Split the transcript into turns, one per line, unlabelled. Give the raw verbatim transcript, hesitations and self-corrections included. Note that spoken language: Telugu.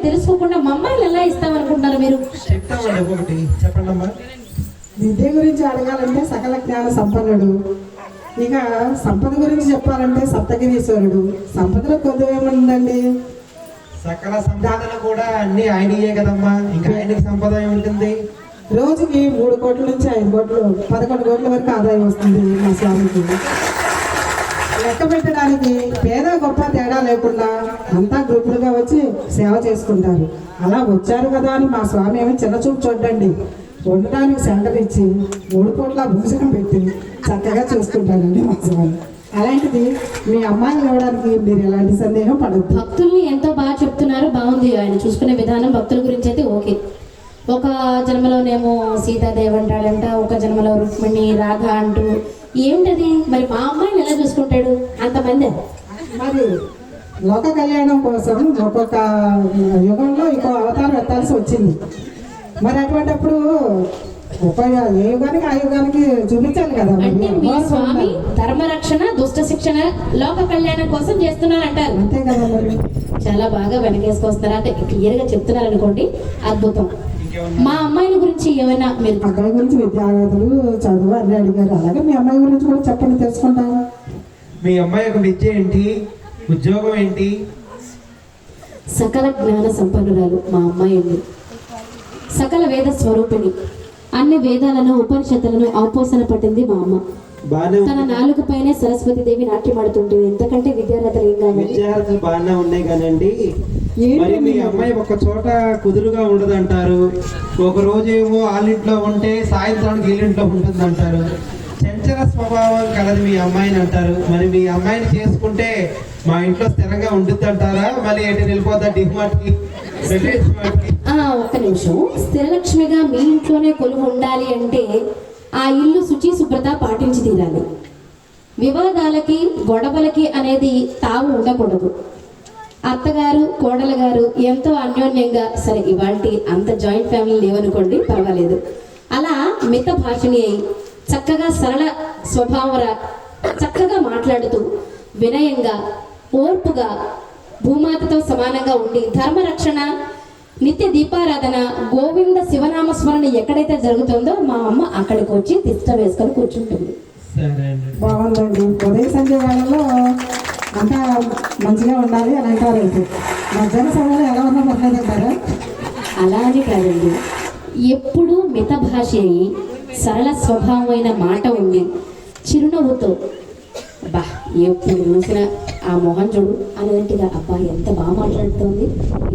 తెలుసుకోకుండా మా అమ్మాయిలు ఎలా ఇస్తామనుకుంటున్నారు మీరు?
చెప్తామండి ఒకటి చెప్పండి అమ్మా.
విద్య గురించి అడగాలంటే సకల జ్ఞాన సంపన్నుడు, ఇక సంపద గురించి చెప్పాలంటే సప్తగిరీశ్వరుడు. సంపదలో కొద్ది ఏముందండి,
సకల సంపాదన కూడా అన్ని ఆయనయే కదమ్మా, ఇంకా ఆయనకి సంపద ఏముంటుంది?
రోజుకి మూడు కోట్ల నుంచి ఐదు కోట్లు పదకొండు కోట్ల వరకు ఆదాయం వస్తుంది మా స్వామికి. లెక్క పెట్టడానికి పేద గొప్ప తేడా లేకుండా అంతా గ్రూపులుగా వచ్చి సేవ చేసుకుంటారు. అలా వచ్చారు కదా అని మా స్వామి ఏమో చిన్న చూపు చూడండి, వండడానికి సెంటర్ ఇచ్చి మూడు కోట్ల భోజనం పెట్టి చక్కగా చూసుకుంటారండి మా స్వామి. అలాంటిది మీ అమ్మాయిని ఇవ్వడానికి మీరు ఎలాంటి సందేహం పడద్దు.
భక్తుల్ని ఎంతో బాగా చెప్తున్నారు, బాగుంది ఆయన చూసుకునే విధానం. భక్తుల గురించి అయితే ఓకే. ఒక జన్మలోనేమో సీతాదేవి అంటాడంట, ఒక జన్మలో రుక్మిణి రాధ అంటూ ఏమిటది మరి? మా అమ్మాయిని ఎలా చూసుకుంటాడు అంతమంది?
మరి లోక కళ్యాణం కోసం ఒక్కొక్క యుగంలో ఇంకో అవతారం ఎత్తాల్సి వచ్చింది. మరి అటువంటిప్పుడు ఉపయోగ ఏ యుగానికి ఆ యుగానికి చూపించాలి కదా.
అంటే మీ స్వామి ధర్మరక్షణ దుష్ట శిక్షణ లోక కళ్యాణం కోసం చేస్తున్నారంటారు.
అంతే కదా మరి.
చాలా బాగా వెనకేసుకొస్తున్నారు, అంటే క్లియర్ గా చెప్తున్నారు అనుకోండి. అద్భుతం. మా అమ్మాయిల గురించి ఏమైనా మీరు?
అబ్బాయి గురించి విద్యార్థులు చదువు అన్నీ అడిగారు, అలాగే మీ అమ్మాయి గురించి కూడా చెప్పండి, తెలుసుకుంటాను.
మీ అమ్మాయి యొక్క విద్య ఏంటి, ఉద్యోగం ఏంటి?
సకల జ్ఞాన సంపన్నురాలు మా అమ్మాయి ఉంది. సకల వేద స్వరూపిణి, అన్ని వేదాలను ఉపనిషత్తులను అవపోసన పట్టింది మా అమ్మ. తన నాలుగు పైనే సరస్వతి దేవి నాట్యమాడుతుంటుంది. ఎంతకంటే విద్యార్థులు ఏం కావాలి?
విద్యార్థులు బాగానే ఉన్నాయి కానండి, మరి మీ అమ్మాయి ఒక చోట కుదురుగా ఉండదంటారు. ఒక రోజు ఏమో వాళ్ళింట్లో ఉంటే సాయంత్రానికి వీళ్ళింట్లో ఉంటుంది అంటారు. చంచల స్వభావం కలది మీ అమ్మాయిని అంటారు. మరి మీ అమ్మాయిని చేసుకుంటే మా ఇంట్లో స్థిరంగా ఉంటుంది అంటారా? మళ్ళీ ఏంటి వెళ్ళిపోతా డిమార్ట్కి?
ఒక్క నిమిషం. స్థిరలక్ష్మిగా మీ ఇంట్లోనే కొలువు ఉండాలి అంటే ఆ ఇల్లు శుచి శుభ్రత పాటించి తీరాలి. వివాదాలకి గొడవలకి అనేది తావు ఉండకూడదు. అత్తగారు కోడలు గారు ఎంతో అన్యోన్యంగా, సరే ఇవాళ అంత జాయింట్ ఫ్యామిలీ లేవనుకోండి పర్వాలేదు, అలా మిత భాషని అయి చక్కగా సరళ స్వభావర చక్కగా మాట్లాడుతూ వినయంగా ఓర్పుగా భూమాతతో సమానంగా ఉండి ధర్మరక్షణ నిత్య దీపారాధన గోవింద శివనామ స్మరణ ఎక్కడైతే జరుగుతుందో మా అమ్మ అక్కడికి వచ్చి తిష్ట వేసుకొని కూర్చుంటుంది.
బాగుందండి. ఉదయ సంధ్య వేళలో అంతా మంచిగా ఉండాలి అని అంటారు. అయితే మధ్యాహ్న సమయంలో ఎలా ఉన్నా పర్లేదు అంటారా?
అలా అని కాదండి, ఎప్పుడూ మిత భాష అయి సరళ స్వభావమైన మాట ఉండి చిరునవ్వుతో బా ఎప్పుడు చూసిన ఆ మోహన్ చూడు అనేట్టుగా అబ్బా ఎంత బాగా మాట్లాడుతోంది